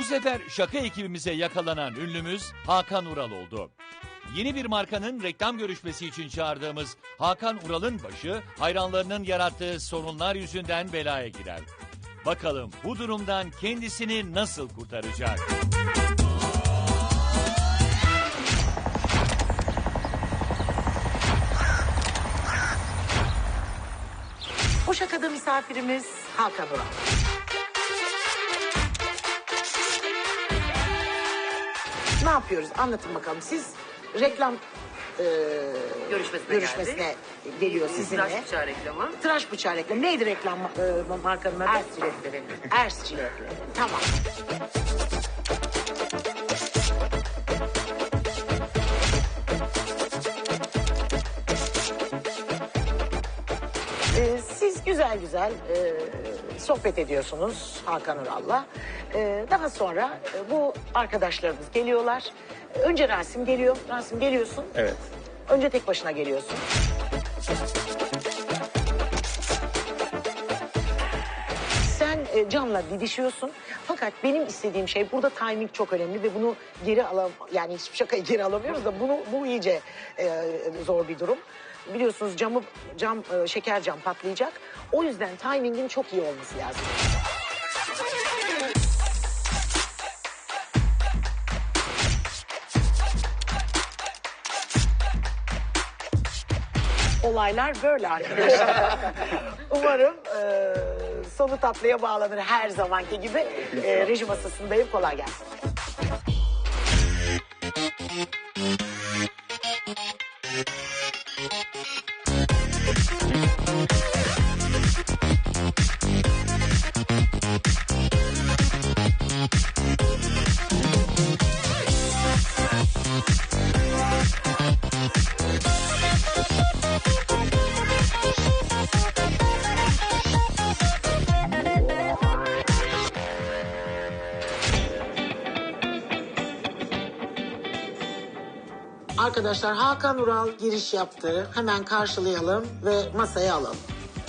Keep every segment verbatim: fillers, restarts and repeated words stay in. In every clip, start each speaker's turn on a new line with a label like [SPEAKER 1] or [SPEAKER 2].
[SPEAKER 1] sefer şaka ekibimize yakalanan ünlümüz Hakan Ural oldu. Yeni bir markanın reklam görüşmesi için çağırdığımız Hakan Ural'ın başı hayranlarının yarattığı sorunlar yüzünden belaya girer. Bakalım bu durumdan kendisini nasıl kurtaracak?
[SPEAKER 2] Bu şakada misafirimiz Hakan Ural. Ne yapıyoruz? Anlatın bakalım. Siz reklam e,
[SPEAKER 3] Görüşmesine,
[SPEAKER 2] görüşmesine
[SPEAKER 3] geldik.
[SPEAKER 2] geliyor sizinle.
[SPEAKER 3] Tıraş bıçağı reklamı.
[SPEAKER 2] Tıraş bıçağı reklamı. Neydi reklam e, markanın adı?
[SPEAKER 3] Ers jiletleri.
[SPEAKER 2] Ers jiletleri. Tamam. Ee, siz güzel güzel e, sohbet ediyorsunuz Hakan Ural'la. Ee, daha sonra e, bu arkadaşlarımız geliyorlar. Önce Rasim geliyor. Rasim geliyorsun.
[SPEAKER 4] Evet.
[SPEAKER 2] Önce tek başına geliyorsun. Sen e, Can'la didişiyorsun. Fakat benim istediğim şey, burada timing çok önemli ve bunu geri alam, yani hiçbir şakayı geri alamıyoruz da bunu bu iyice e, zor bir durum. Biliyorsunuz camı cam e, şeker cam patlayacak. O yüzden timingin çok iyi olması lazım. Olaylar böyle arkadaşlar. Umarım e, sonu tatlıya bağlanır her zamanki gibi. E, reji masasındayım. Kolay gelsin. Arkadaşlar Hakan Ural giriş yaptı. Hemen karşılayalım ve masaya alalım.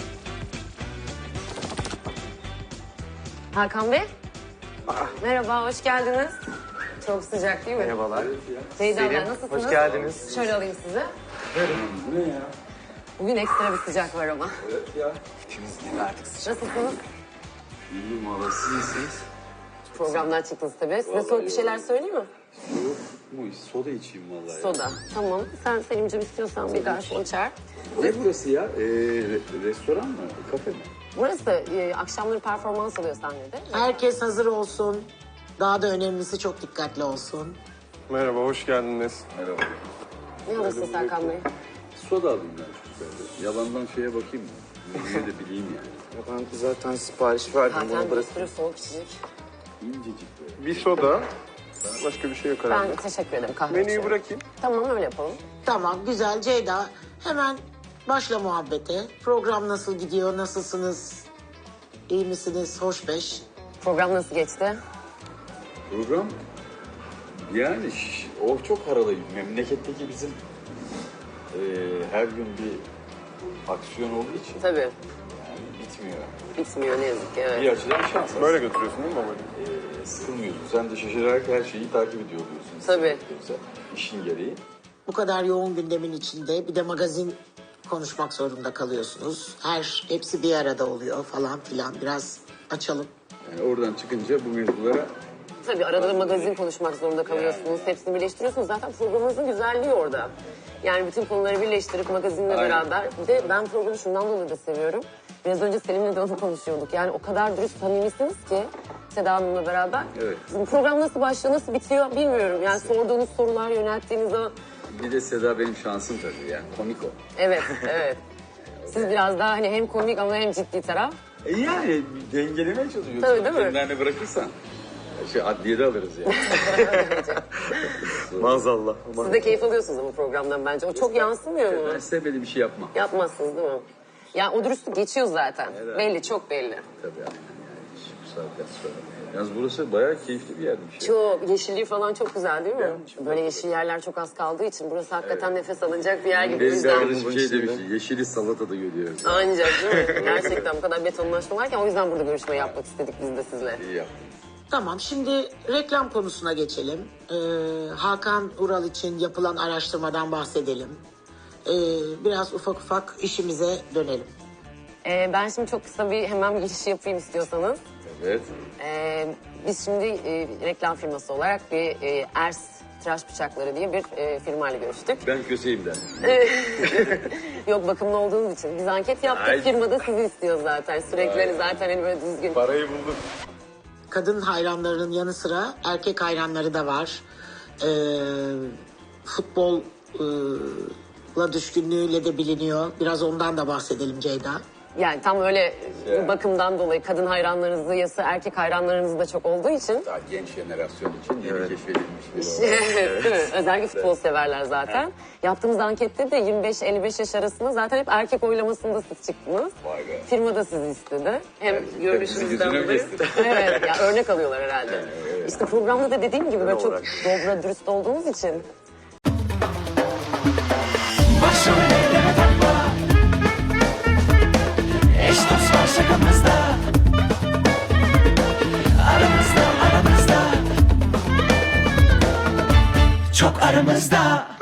[SPEAKER 3] Hakan Bey. Merhaba, hoş geldiniz. Çok sıcak değil mi?
[SPEAKER 4] Merhabalar.
[SPEAKER 3] Ceyda
[SPEAKER 4] Selim,
[SPEAKER 3] ben, nasılsınız?
[SPEAKER 4] hoş geldiniz.
[SPEAKER 3] Şöyle alayım sizi.
[SPEAKER 4] Bu ne ya?
[SPEAKER 3] Bugün ekstra bir sıcak var ama.
[SPEAKER 4] Evet ya. İkimiz gibi artık sıcak.
[SPEAKER 3] Nasılsınız?
[SPEAKER 4] İyiyim valla, siz iyisiniz.
[SPEAKER 3] Programdan çıktınız tabii. Size soğuk bir şeyler söyleyeyim mi?
[SPEAKER 4] Yok mu? Soda içeyim vallahi.
[SPEAKER 3] Soda. Tamam. Sen Selim'ciğim istiyorsan bir garson çağır.
[SPEAKER 4] Ne burası ya? Ee, re- restoran mı? Kafe mi?
[SPEAKER 3] Burası e, akşamları performans alıyor sahnede.
[SPEAKER 2] Herkes hazır olsun. Daha da önemlisi çok dikkatli olsun.
[SPEAKER 5] Merhaba, hoş geldiniz.
[SPEAKER 4] Merhaba.
[SPEAKER 3] Ne alırsın Serkan Bey?
[SPEAKER 4] Soda alayım ben çocuklarda. Yalandan şeye bakayım mı? Yine de bileyim yani.
[SPEAKER 5] Ya ben zaten sipariş verdim.
[SPEAKER 3] Zaten
[SPEAKER 5] Bunu
[SPEAKER 3] bir
[SPEAKER 5] bırakın.
[SPEAKER 3] sürü soğuk içecek.
[SPEAKER 4] İncecik böyle.
[SPEAKER 5] Bir soda, başka bir şey yok herhalde.
[SPEAKER 3] Ben teşekkür ederim kahve
[SPEAKER 5] Menüyü
[SPEAKER 3] içiyorum.
[SPEAKER 5] bırakayım.
[SPEAKER 3] Tamam öyle yapalım.
[SPEAKER 2] Tamam, güzel Ceyda. Hemen başla muhabbete. Program nasıl gidiyor, nasılsınız? İyi misiniz, hoş beş?
[SPEAKER 3] Program nasıl geçti?
[SPEAKER 4] Program yani şş, o çok haralıyım. Memleketteki bizim e, her gün bir aksiyon olduğu için
[SPEAKER 3] Tabii.
[SPEAKER 4] yani bitmiyor.
[SPEAKER 3] Bitmiyor ne yazık ki. Evet.
[SPEAKER 4] Bir açıdan şans.
[SPEAKER 5] Böyle götürüyorsun değil mi babayı?
[SPEAKER 4] E, sıkılmıyorsun. Sen de şaşırarak her şeyi takip ediyor oluyorsun.
[SPEAKER 3] Tabii.
[SPEAKER 4] Yoksa işin gereği.
[SPEAKER 2] Bu kadar yoğun gündemin içinde bir de magazin konuşmak zorunda kalıyorsunuz. Her, hepsi bir arada oluyor falan filan. Biraz açalım.
[SPEAKER 4] Yani oradan çıkınca bu mevzulara
[SPEAKER 3] Tabii arada da magazin konuşmak zorunda kalıyorsunuz. Hepsini birleştiriyorsunuz. Zaten programınızın güzelliği orada. Yani bütün konuları birleştirip magazinle
[SPEAKER 4] Aynen.
[SPEAKER 3] beraber. Bir de ben programı şundan dolayı da seviyorum. Biraz önce Selim'le de onu konuşuyorduk. Yani o kadar dürüst samimisiniz ki Seda Hanım'la beraber.
[SPEAKER 4] Evet.
[SPEAKER 3] Bizim program nasıl başlıyor, nasıl bitiyor bilmiyorum. Yani sorduğunuz sorular, yönelttiğiniz o...
[SPEAKER 4] bir de Seda benim şansım tabii yani komik o.
[SPEAKER 3] Evet, evet. Siz biraz daha hani hem komik ama hem ciddi taraf.
[SPEAKER 4] E yani dengelemeye çalışıyorsun.
[SPEAKER 3] Tabii, değil mi?
[SPEAKER 4] Kendilerine bırakırsan şey adliyede alırız yani.
[SPEAKER 5] Maazallah.
[SPEAKER 3] Siz de keyif alıyorsunuz ama programdan bence. O çok yansımıyor mu?
[SPEAKER 4] Ben size böyle bir şey yapmam.
[SPEAKER 3] Yapmazsınız değil mi? Ya o dürüstlük geçiyor zaten.
[SPEAKER 4] Evet.
[SPEAKER 3] Belli, çok belli.
[SPEAKER 4] Tabii aynen yani. Hiç bu saatten sonra. Yalnız burası bayağı keyifli bir yermiş. Ya.
[SPEAKER 3] Çok, yeşilliği falan çok güzel değil mi? Böyle yeşil yerler çok az kaldığı için burası hakikaten nefes alınacak bir yer gibi. O
[SPEAKER 4] Benim
[SPEAKER 3] yüzden...
[SPEAKER 4] arkadaşım şey demiş, yeşili salatada görüyoruz.
[SPEAKER 3] Ancak değil mi? Gerçekten bu kadar betonlaşma varken o yüzden burada görüşme yapmak istedik biz de sizle.
[SPEAKER 4] İyi yaptın.
[SPEAKER 2] Tamam, şimdi reklam konusuna geçelim. Ee, Hakan Ural için yapılan araştırmadan bahsedelim. Ee, biraz ufak ufak işimize dönelim.
[SPEAKER 3] Ee, ben şimdi çok kısa bir hemen giriş yapayım istiyorsanız.
[SPEAKER 4] Evet.
[SPEAKER 3] Ee, biz şimdi e, reklam firması olarak bir e, Ers Tıraş Bıçakları diye bir e, firmayla görüştük.
[SPEAKER 4] Ben köseyim de.
[SPEAKER 3] Yok, bakımlı olduğunuz için. Biz anket yaptık,
[SPEAKER 4] Ay.
[SPEAKER 3] firma da sizi istiyor zaten. Sürekli hani zaten hani böyle düzgün.
[SPEAKER 4] Parayı bulduk.
[SPEAKER 2] Kadın hayranlarının yanı sıra erkek hayranları da var. Ee, futbolla düşkünlüğüyle de biliniyor. Biraz ondan da bahsedelim Ceyda.
[SPEAKER 3] Yani tam öyle
[SPEAKER 4] Evet.
[SPEAKER 3] bakımdan dolayı kadın hayranlarınızı yasa erkek hayranlarınız da çok olduğu için.
[SPEAKER 4] Daha genç jenerasyon için yeni keşfedilmiş bir olay.
[SPEAKER 3] Evet, değil mi? Özellikle futbol severler zaten. Yaptığımız ankette de yirmi beş elli beş yaş arasında zaten hep erkek oylamasında siz çıktınız.
[SPEAKER 4] Vay be.
[SPEAKER 3] Firma da sizi istedi. Hem
[SPEAKER 4] Erkekler
[SPEAKER 3] görünüşünüzden
[SPEAKER 4] bizi yüzüne mi
[SPEAKER 3] dolayı.
[SPEAKER 4] kesti?
[SPEAKER 3] Evet, ya örnek alıyorlar herhalde. İşte programda da dediğim gibi böyle çok
[SPEAKER 5] olarak.
[SPEAKER 3] dobra dürüst olduğunuz için.
[SPEAKER 6] Başrollere takma. Eş dost var şakamızda. Aramızda aramızda. Çok aramızda.